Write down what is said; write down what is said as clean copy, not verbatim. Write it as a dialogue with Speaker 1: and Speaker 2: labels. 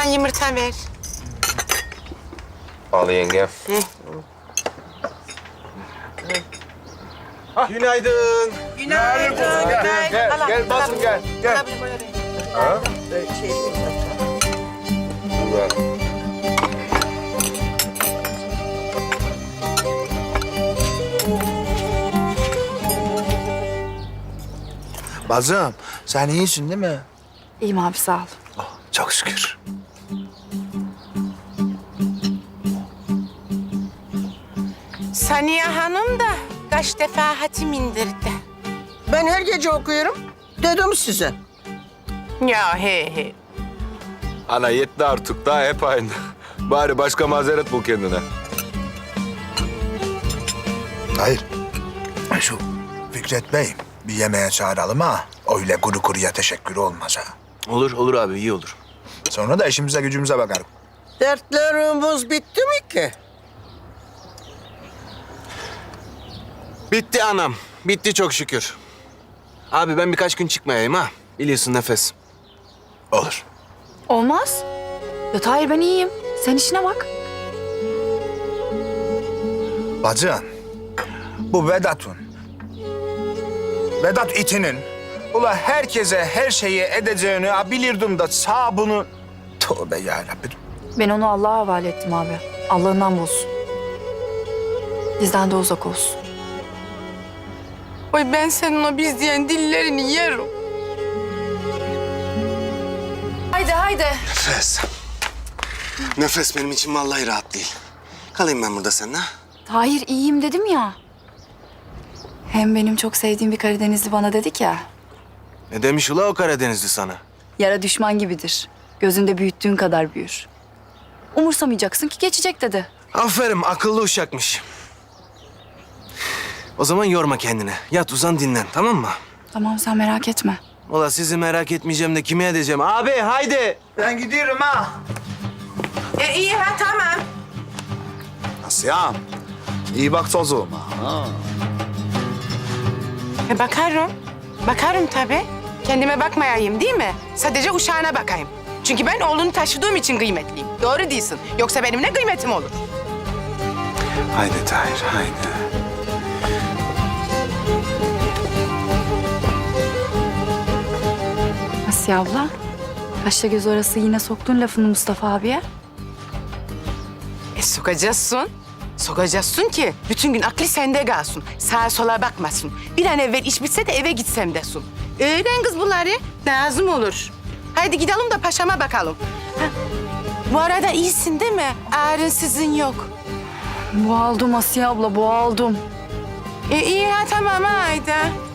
Speaker 1: Ondan yumurta ver.
Speaker 2: Al yenge. Günaydın.
Speaker 1: Günaydın.
Speaker 2: Gel basın gel. Gel. Ha? Güzel.
Speaker 3: Bazım, sen iyisin değil mi?
Speaker 4: İyiyim abi sağ ol.
Speaker 3: Çok şükür.
Speaker 1: Saniye Hanım da kaç defa hatim indirdi.
Speaker 5: Ben her gece okuyorum. Dedim size.
Speaker 1: Ya he.
Speaker 2: Ana yetti artık daha hep aynı. Bari başka mazeret bul kendine.
Speaker 3: Hayır. Şu Fikret Bey, bir yemeğe çağıralım ha. Öyle kuru kuruya teşekkür olmaz ha.
Speaker 6: Olur abi iyi olur.
Speaker 3: Sonra da işimize gücümüze bakarım.
Speaker 5: Dertlerimiz bitti mi ki?
Speaker 6: Bitti anam. Bitti çok şükür. Abi ben birkaç gün çıkmayayım ha. Biliyorsun nefes.
Speaker 3: Olur.
Speaker 4: Olmaz. Ya Tahir ben iyiyim. Sen işine bak.
Speaker 3: Bacım, bu Vedat itinin ula herkese her şeyi edeceğini bilirdim da sağ bunu... Tövbe yarabbim.
Speaker 4: Ben onu Allah'a havale ettim abi. Allah'ından bulsun. Bizden de uzak olsun.
Speaker 1: Oy ben senin o biz diyen dillerini yerim.
Speaker 4: Haydi.
Speaker 6: Nefes. Nefes benim için vallahi rahat değil. Kalayım ben burada seninle.
Speaker 4: Tahir iyiyim dedim ya. Hem benim çok sevdiğim bir Karadenizli bana dedik ya.
Speaker 6: Ne demiş ula o Karadenizli sana?
Speaker 4: Yara düşman gibidir. Gözünde büyüttüğün kadar büyür. Umursamayacaksın ki geçecek dedi.
Speaker 6: Aferin akıllı uşakmış. O zaman yorma kendini. Yat uzan dinlen tamam mı?
Speaker 4: Tamam sen merak etme.
Speaker 6: Ula sizi merak etmeyeceğim de kime edeceğim? Abi haydi.
Speaker 3: Ben gidiyorum ha.
Speaker 1: İyi ha tamam.
Speaker 3: Asya'm, iyi bak çocuğuma. Ha.
Speaker 1: Bakarım. Bakarım tabii. Kendime bakmayayım değil mi? Sadece uşağına bakayım. Çünkü ben oğlunu taşıdığım için kıymetliyim. Doğru değilsin. Yoksa benim ne kıymetim olur?
Speaker 6: Haydi Tahir haydi.
Speaker 4: Asiye abla. Kaşla göz arası yine soktun lafını Mustafa abiye.
Speaker 1: Sokacaksın. Sokacaksın ki bütün gün aklı sende kalsın. Sağa sola bakmasın. Bir an evvel iş bitse de eve gitsem desin. Öğren kız bunları. Lazım olur. Haydi gidelim de paşama bakalım. Ha, bu arada iyisin değil mi? Ağrınsızın yok.
Speaker 4: Boğaldım Asiye abla boğaldım.
Speaker 1: İyi ha tamam haydi.